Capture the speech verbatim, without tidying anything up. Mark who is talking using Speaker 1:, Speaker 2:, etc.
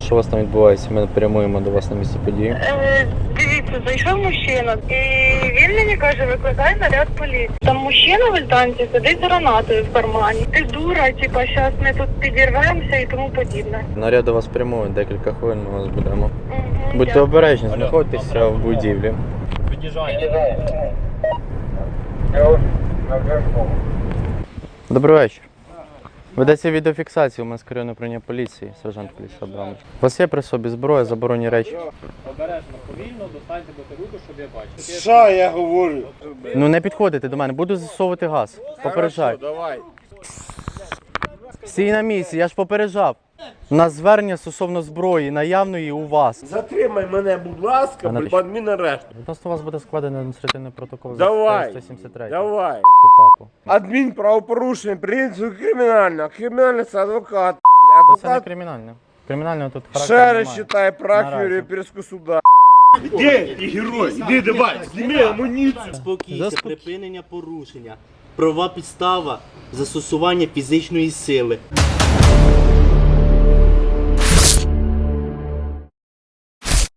Speaker 1: що у вас там відбувається? Ми прямуємо до вас на місце події.
Speaker 2: Е, дивіться, зайшов мужчина, і він мені каже, викликай наряд поліції. Там мужчина в альтанці сидить з гранатою в кармані. Ти дура, типа, зараз ми тут підірвемося і тому подібне.
Speaker 1: Наряд до вас прямує, декілька хвилин ми вас будемо.
Speaker 2: Угу,
Speaker 1: Будьте
Speaker 2: дякую.
Speaker 1: обережні, знаходьтеся в будівлі. Добрий вечір. Ведеться відеофіксація у мене з районного управління поліції, сержант поліції Абрамович. У вас є при собі зброя, заборонені речі?
Speaker 3: Обережно, повільно, достаньте бутилку, щоб я бачив.
Speaker 4: Що я говорю?
Speaker 1: Ну не підходите до мене, буду засовувати газ. Попереджаю.
Speaker 4: Давай.
Speaker 1: Стій на місці, я ж попереджав. У нас звернення стосовно зброї, наявної у вас.
Speaker 4: Затримай мене, будь ласка,
Speaker 1: А
Speaker 4: бо адмінарешт.
Speaker 1: Відносно вас буде складено адміністративний протокол
Speaker 4: Давай.
Speaker 1: за сто сімдесят три.
Speaker 4: Давай.
Speaker 1: КУпАПу.
Speaker 4: Адмінправопорушення, принцип кримінального. Кримінальний це адвокат.
Speaker 1: Це не
Speaker 4: Адвокат
Speaker 1: кримінальне. Кримінального тут характеру
Speaker 4: ще раз
Speaker 1: немає.
Speaker 4: читає практику
Speaker 1: Наразі.
Speaker 4: Європейського суда. Де ти герой? Іди давай, зніми амуніцію.
Speaker 5: Спокійся,
Speaker 1: Заспокій-
Speaker 5: припинення порушення, права підстава, застосування фізичної сили.